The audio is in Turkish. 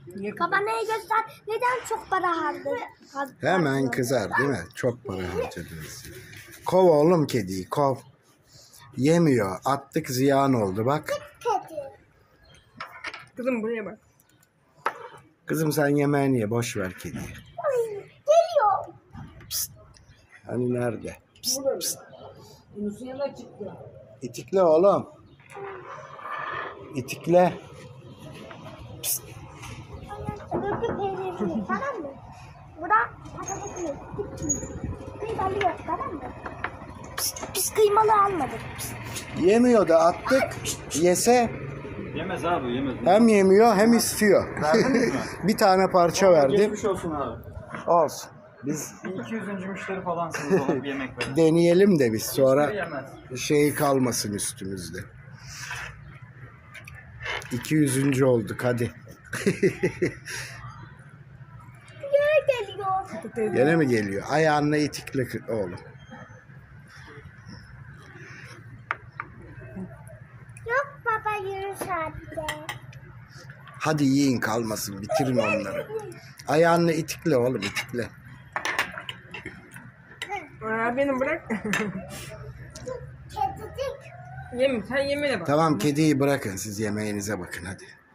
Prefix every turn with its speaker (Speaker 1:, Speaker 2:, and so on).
Speaker 1: Kamerayı göster. Neden çok para harcadın?
Speaker 2: Hemen kızar değil mi? Çok para harcadınız. Kov oğlum kediyi, kov. Yemiyor. Attık, ziyan oldu bak.
Speaker 1: Kedi.
Speaker 3: Kızım buraya bak.
Speaker 2: Kızım sen yemeğini ye. Boş ver kediyi.
Speaker 1: Ay, geliyor.
Speaker 2: Hani nerede?
Speaker 3: Yunus'un yanına çıktı.
Speaker 2: İtikle oğlum. İtikle.
Speaker 1: Öbürkü peynirini, tamam mı? Bura patatesini. Kıymalı yok, tamam mı? Biz kıymalı almadık.
Speaker 2: Yemiyor da attık. Yese
Speaker 4: Yemez abi yemez.
Speaker 2: hem yemiyor hem istiyor.
Speaker 4: Verdiniz mi?
Speaker 2: Bir tane parça verdim.
Speaker 4: Geçmiş olsun abi.
Speaker 2: Olsun. Biz
Speaker 4: Bir 200. müşteri falansınız ona bir yemek verin.
Speaker 2: deneyelim de biz sonra
Speaker 4: Yemez.
Speaker 2: şey kalmasın üstümüzde. 200. olduk hadi.
Speaker 1: Geri geliyor.
Speaker 2: Gene mi geliyor? Ayağınla itikle oğlum.
Speaker 1: Yok baba yürü sadece.
Speaker 2: Hadi yiyin kalmasın. Bitirin onları. Ayağınla itikle oğlum itikle.
Speaker 3: Aa, beni bırak.
Speaker 1: Kedicik.
Speaker 3: Yeme, sen yemene bak.
Speaker 2: Tamam kediyi bırakın siz yemeğinize bakın hadi.